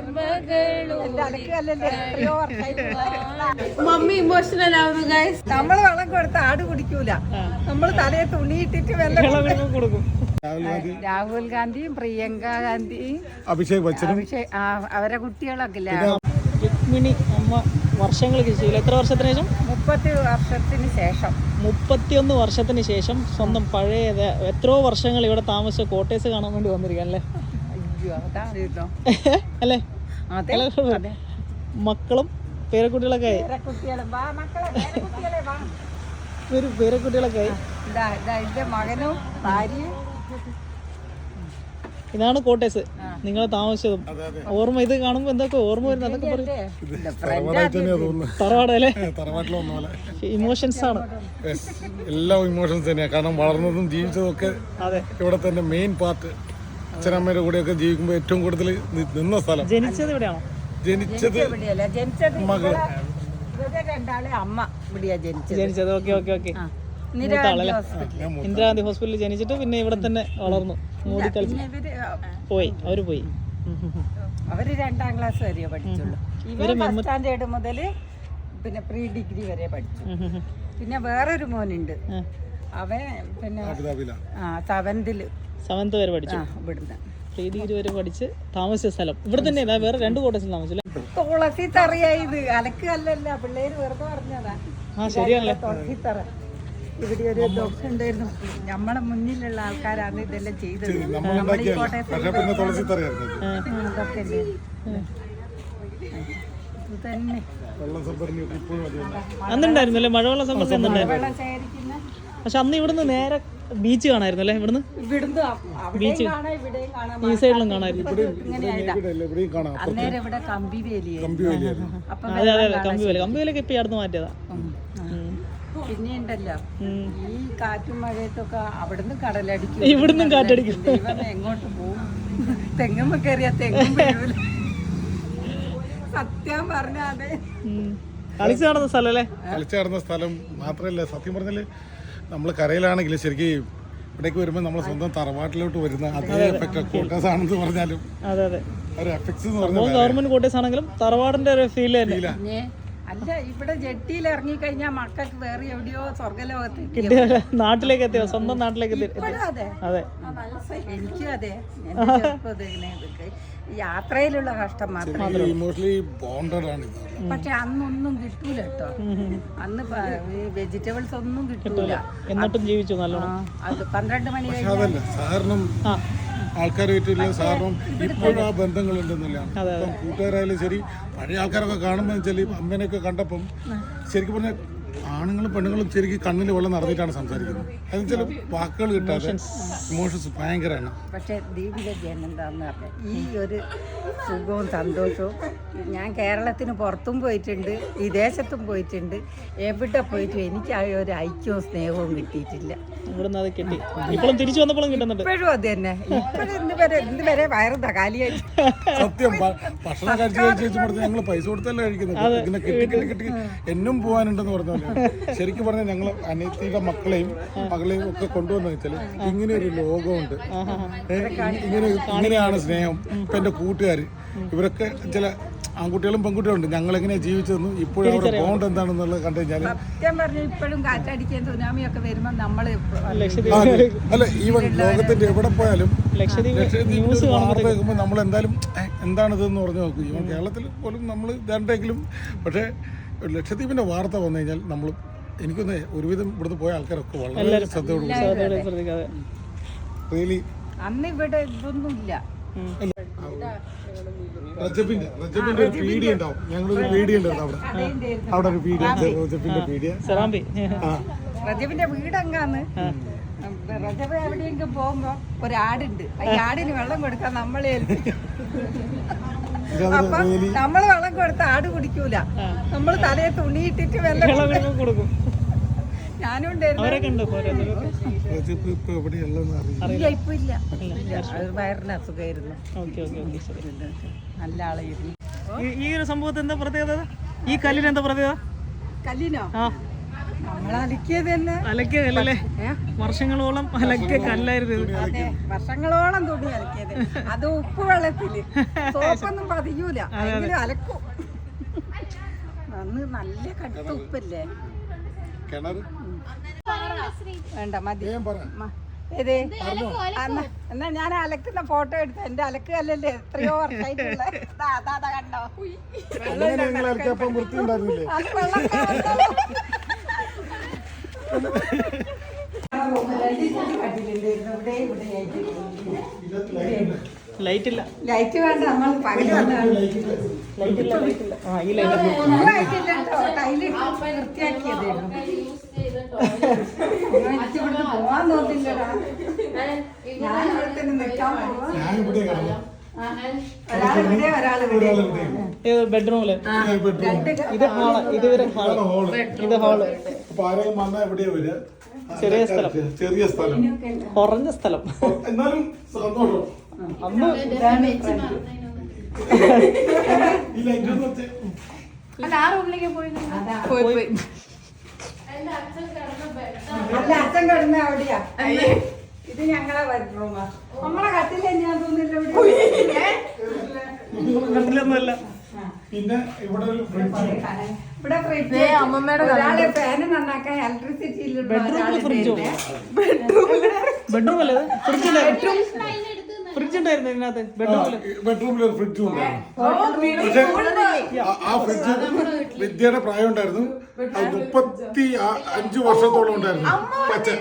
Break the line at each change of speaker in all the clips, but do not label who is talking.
Mummy emotional ആവുന്നു guys.
നമ്മള് വെള്ളം കൊടുത്ത് ആട് കുടിക്കൂല, നമ്മള് തലയെ തുണിയിട്ടിട്ട് വെള്ളം കൊടുക്കും. രാഹുൽ ഗാന്ധിയും പ്രിയങ്ക ഗാന്ധിയും
അഭിഷേക് ബച്ചനും
അവരെ കുട്ടികളൊക്കെ
രുക്മിണി അമ്മ വർഷങ്ങൾക്ക് ശേഷം, എത്ര വർഷത്തിന് ശേഷം?
30 വർഷത്തിന് ശേഷം.
31 വർഷത്തിന് ശേഷം സ്വന്തം പഴയ എത്രയോ വർഷങ്ങൾ ഇവിടെ താമസിച്ച കോട്ടേഴ്സ് കാണാൻ വേണ്ടി വന്നിരിക്കുകയല്ലേ അല്ലേ? മക്കളും പേരക്കുട്ടികളൊക്കെ ആയി. പേരക്കുട്ടികളൊക്കെ ആയി.
മകനും ഭാര്യയും.
ഇതാണ് കോട്ടേഴ്സ് നിങ്ങൾ താമസിച്ചതും. ഓർമ്മ ഇത് കാണുമ്പോ എന്തൊക്കെ ഓർമ്മ വരുന്നത്? അതൊക്കെ തറവാടല്ലേ? ഇമോഷൻസ് ആണ്,
എല്ലാ ഇമോഷൻസ് തന്നെയാണ്. കാരണം വളർന്നതും ജീവിച്ചതും ഒക്കെ ഇവിടെ തന്നെ മെയിൻ പാർട്ട്. അച്ഛനമ്മയുടെ കൂടെയൊക്കെ ജീവിക്കുമ്പോൾ ഏറ്റവും കൂടുതൽ നിന്ന സ്ഥലം.
ജനിച്ചത് ഇവിടെയാണോ?
ജനിച്ചത് മകൾ
അമ്മ ഇവിടെയാ
ജനിച്ചത്. Okay okay okay. ഇന്ദിരാഗാന്ധി ഹോസ്പിറ്റലിൽ ജനിച്ചിട്ട് പിന്നെ ഇവിടെ തന്നെ വളർന്നു, മോദി കളിച്ച് പോയി. അവര് പോയി.
അവര് 2ാം ക്ലാസ് വരെ പഠിച്ചുള്ളൂ. ഇവര് ഫസ്റ്റ് സ്റ്റാൻഡേർഡ് മുതൽ പിന്നെ പ്രീ ഡിഗ്രി വരെ പഠിച്ചു. പിന്നെ വേറൊരു മോനുണ്ട്, അവൻ പിന്നെ
7th വരെ പഠിച്ചു. ഇവിടുന്ന് പ്രീ ഡിഗ്രി വരെ പഠിച്ച് താമസിച്ച സ്ഥലം ഇവിടെ തന്നെ. വേറെ 2 കോട്ടേഴ്സിൽ താമസിച്ചില്ല.
തുളസി തറയായത് അലക്കല്ല, പിള്ളേര് വെറുതെ പറഞ്ഞതാ.
ശരിയാണല്ലേ?
തുളസിത്തറ ഇവിടെ ഒരു ദോഷമുണ്ടായിരുന്നു. നമ്മളെ മുന്നിലുള്ള ആൾക്കാരാണ് ഇതെല്ലാം ചെയ്തത്.
അന്നുണ്ടായിരുന്നല്ലേ മഴവെള്ള സംഭരണം? പക്ഷെ അന്ന് ഇവിടുന്ന് നേരെ ബീച്ച് കാണായിരുന്നു അല്ലേ? ഇവിടുന്ന് ബീച്ച് ഈ സൈഡിലും കാണായിരുന്നു.
അന്നേരം ഇവിടെ
അതെ അതെ കമ്പിവേലൊക്കെ ഇപ്പൊ അടുത്ത് മാറ്റിയതാ.
പിന്നെ ഉണ്ടല്ലോ ഈ കാറ്റും മഴയത്തൊക്കെ അവിടുന്ന് കടലടിക്കും,
ഇവിടുന്നും കാറ്റടിക്കും.
എങ്ങോട്ട് പോകും? തെങ്ങുമ്പോ കയറിയാ തെങ്ങും വീഴൂല. സത്യം പറഞ്ഞാതെ
കളിച്ചു നടന്ന സ്ഥലം അല്ലേ?
കളിച്ചു നടന്ന സ്ഥലം മാത്രമല്ല, സത്യം പറഞ്ഞാല് നമ്മള് കരയിലാണെങ്കിൽ ശരിക്കും ഇവിടേക്ക് വരുമ്പോൾ നമ്മളെ സ്വന്തം തറവാട്ടിലോട്ട് വരുന്ന അതേ എഫക്ട് കോട്ടേഴ്സ് ആണെന്ന് പറഞ്ഞാലും ഒരു എഫക്ട്സ് എന്ന് പറഞ്ഞാൽ
ഗവൺമെന്റ് കോട്ടേഴ്സ് ആണെങ്കിലും തറവാടിന്റെ ഒരു ഫീൽ തന്നെ.
അല്ല, ഇവിടെ ജെട്ടിയിൽ ഇറങ്ങി കഴിഞ്ഞാൽ മക്കൾക്ക് വേറെ എവിടെയോ സ്വർഗലോകത്ത്
നാട്ടിലേക്ക് എത്തിയോ? സ്വന്തം നാട്ടിലേക്ക് എത്തി.
അതെ, എനിക്കും അതെ. യാത്രയിലുള്ള കഷ്ടം മാത്രമേ. പക്ഷെ അന്നൊന്നും കിട്ടൂല കേട്ടോ. അന്ന് വെജിറ്റബിൾസ് ഒന്നും കിട്ടൂല.
എന്നിട്ടും ജീവിച്ചു നല്ലോണം.
അത് 12 മണി കഴിഞ്ഞാൽ
ആൾക്കാരുമായിട്ടുള്ള സാറിനും ഇപ്പോഴും ആ ബന്ധങ്ങളുണ്ടെന്നുള്ളതാണ്. ഇപ്പം കൂട്ടുകാരായാലും ശരി, പഴയ ആൾക്കാരൊക്കെ കാണുമ്പോൾ വെച്ചാൽ അമ്മേനെയൊക്കെ കണ്ടപ്പം ശരിക്കും പറഞ്ഞാൽ ആണുങ്ങളും പെണ്ണുങ്ങളും ശരിക്കും കണ്ണിൽ വെള്ളം നടന്നിട്ടാണ് സംസാരിക്കുന്നത്. അതെന്നുവെച്ചാൽ വാക്കുകൾ കിട്ടാതെ ഇമോഷൻസ് ഭയങ്കരമാണ്.
പക്ഷേ ദീപിക ജയൻ എന്താന്ന് പറഞ്ഞാൽ ഈ ഒരു സുഖവും സന്തോഷവും, ഞാൻ കേരളത്തിന് പുറത്തും പോയിട്ടുണ്ട്, വിദേശത്തും പോയിട്ടുണ്ട്, എവിടെ പോയിട്ടും എനിക്ക് ആ ഒരു ഐക്യവും സ്നേഹവും കിട്ടിയിട്ടില്ല.
ഇപ്പോഴും തിരിച്ചു വന്നപ്പോഴും കിട്ടുന്നുണ്ട്.
ഇപ്പോഴും അത് തന്നെ. ഇപ്പോഴും ഇതുവരെ വയറുതാ കാലിയായിട്ട്.
സത്യം, ഭക്ഷണം കഴിച്ച് ഞങ്ങൾ പൈസ കൊടുത്തല്ലേ കഴിക്കുന്നത്. ഇങ്ങനെ കിട്ടി എന്നും പോകാനുണ്ടെന്ന് പറഞ്ഞാൽ ശരിക്കും പറഞ്ഞാൽ ഞങ്ങൾ അനിയത്തിയുടെ മക്കളെയും ഒക്കെ കൊണ്ടുവന്നു വെച്ചാൽ ഇങ്ങനെ ഒരു ലോകമുണ്ട്, ഇങ്ങനെയാണ് സ്നേഹം. ഇപ്പം എൻ്റെ കൂട്ടുകാർ ഇവരൊക്കെ ചില ആൺകുട്ടികളും പെൺകുട്ടികളും ഉണ്ട്. ഞങ്ങൾ എങ്ങനെയാണ് ജീവിച്ചതെന്നും ഇപ്പോഴും അവരുടെ ബോണ്ട് എന്താണെന്നുള്ളത് കണ്ടു കഴിഞ്ഞാൽ
സത്യം പറഞ്ഞാൽ ഇപ്പോഴും കാറ്റടിക്കാൻ സുനാമിയൊക്കെ വരുമ്പോൾ നമ്മൾ
അല്ല, ഈവൻ ലോകത്തിന്റെ എവിടെ പോയാലും ലക്ഷദ്വീപിൽ വാർത്ത കേൾക്കുമ്പോൾ നമ്മൾ എന്തായാലും എന്താണിതെന്ന് പറഞ്ഞു നോക്കും. ഈവൻ കേരളത്തിൽ പോലും നമ്മൾ ഇതാണ്ടെങ്കിലും, പക്ഷേ ലക്ഷദ്വീപിന്റെ വാർത്ത വന്നു കഴിഞ്ഞാൽ നമ്മൾ എനിക്കൊന്ന് ഒരുവിധം ഇവിടുന്ന് പോയ ആൾക്കാരൊക്കെ വളരെ ശ്രദ്ധയോടുകൂടി റിയലി.
അന്ന് ഇവിടെ ഇതൊന്നുമില്ല.
റജബിന്റെ ഒരു പീഡിയ ഉണ്ടാവും. ഞങ്ങളൊരു പീഡിയ ഉണ്ടാവും അവിടെ ഒരു പീഡിയ, റജബിന്റെ പീഡിയ.
റജബിന്റെ വീടെങ്കാന്ന്. റജബ് എവിടെയെങ്കിലും പോകുമ്പോ ഒരാടുണ്ട്, ഈ ആടിന് വെള്ളം കൊടുക്കാൻ നമ്മളെ അപ്പൊ നമ്മള് വെള്ളം കൊടുത്ത ആട് കുടിക്കൂല, നമ്മള് തലയെ തുണിയിട്ടിട്ട് വെള്ളം കൊടുക്കും. ഞാനും ഉണ്ടായിരുന്നു. ഇപ്പൊ ഇല്ല, വയറിന് അസുഖമായിരുന്നു. നല്ല ആളായിരുന്നു.
ഈ ഒരു സംഭവത്തിന് എന്താ പ്രത്യേകത? ഈ കല്ലിന് എന്താ പ്രത്യേകത?
കല്ലിനോ? നമ്മൾ അലക്കിയത് തന്നെ.
അലക്കിയതല്ലേ? വർഷങ്ങളോളം അലക്കിയ കല്ലായിരുന്നു ഇത്.
അതെ, വർഷങ്ങളോളം തുണി അലക്കിയത്. അത് ഉപ്പ് വെള്ളത്തില് സോപ്പൊന്നും പതിയൂല, എങ്കിലും അലക്കും. അന്ന് നല്ല കടുത്ത ഉപ്പല്ലേ. വേണ്ട മതി. ഏത് എന്നാ ഞാൻ അലക്കുന്ന ഫോട്ടോ എടുത്ത എന്റെ അലക്ക് കല്ലല്ലേ എത്രയോ വർഷമായിട്ടുള്ള കണ്ടോ. അത്
ലൈറ്റ് ഇല്ല,
ലൈറ്റ് വേണ്ട, നമ്മൾ പകല് വന്നാണ് വൃത്തിയാക്കിയതായിരുന്നു. പോവാൻ തോന്നില്ലടാ, ഞാൻ ഇവിടെ തന്നെ നിൽക്കാൻ പോവാ.
ബെഡ്റൂമില് ഇത് ഹാള്, ഇത് ഹാള്, ഇത് ഹാള്. ചെറിയ സ്ഥലം,
ചെറിയ സ്ഥലം,
കുറഞ്ഞ സ്ഥലം.
എന്നാലും സന്തോഷം.
അന്ന്
പോയി അല്ല, അച്ഛൻ കിടന്ന അവിടെയാ. ഇത് ഞങ്ങളെ ബെഡ്റൂമാ. നമ്മളെ കട്ടില് ഞാൻ തോന്നില്ല
കണ്ടില്ലൊന്നുമല്ല.
പിന്നെ ഇവിടെ ഒരു ഫ്രിഡ്ജ്,
ഇവിടെ ഫ്രിഡ്ജ്. അമ്മമ്മയുടെ ഒരാളെ ഫാന് നന്നാക്കാൻ ഇലക്ട്രിസിറ്റിയിലുള്ള
ബെഡ്റൂം അല്ലേ? ഫ്രിഡ്ജ് ഉണ്ടായിരുന്നു ഇതിനകത്ത്.
ബെഡ്റൂമിൽ ഒരു ഫ്രിഡ്ജും ഉണ്ടായിരുന്നു. പക്ഷെ ആ ഫ്രിഡ്ജ് വിദ്യയുടെ പ്രായം ഉണ്ടായിരുന്നു. 35 വർഷത്തോളം ഉണ്ടായിരുന്നു. പച്ച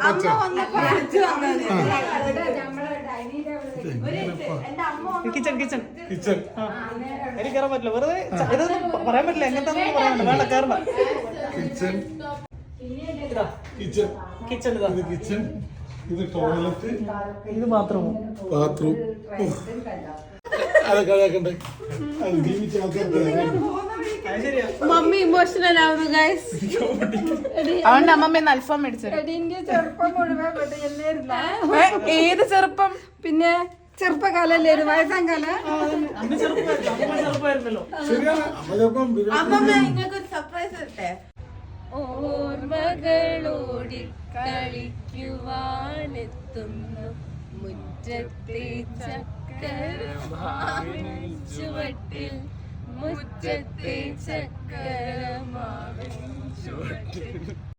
കിച്ചൺ കിച്ചൺ
കിച്ചൺ.
എനിക്ക് കയറാൻ പറ്റില്ല, വെറുതെ ഇതൊന്നും പറയാൻ പറ്റില്ല. എങ്ങനത്തെ പറയാൻ പറ്റില്ല, വേണ്ട കയറണ്ട.
കിച്ചൺ കിച്ചൺ
കിച്ചൺ ഇതാ,
ഇത് കിച്ചൺ, ഇത് ടോയ്ലറ്റ്,
ഇത് ബാത്റൂം.
അതൊക്കെ അതൊക്കെ ഉണ്ട്. അത് ജീവിച്ച ആൾക്കാർക്ക്
മമ്മി ഇമോഷണൽ ആവുന്നു ഗൈസ്. അതുകൊണ്ട് അമ്മമ്മ അൽഫാം മേടിച്ചത്.
ചെറുപ്പം മുഴുവൻ
ഏത് ചെറുപ്പം?
പിന്നെ ചെറുപ്പകാലല്ലേ, ഒരു വയസ്സാം കാലം.
ചെറുപ്പമായിരുന്നല്ലോ.
ശരിയാണ്.
അമ്മമ്മ നിങ്ങൾക്കൊരു സർപ്രൈസ് തരട്ടെ. ഓർമ്മകളോടി കളിക്കുവാനെത്തുന്നു മുറ്റത്തെ ചക്കരമാവിൻ ചുവട്ടിൽ, മുറ്റത്തെ ചക്കരമാവിൻ ചുവട്ടിൽ.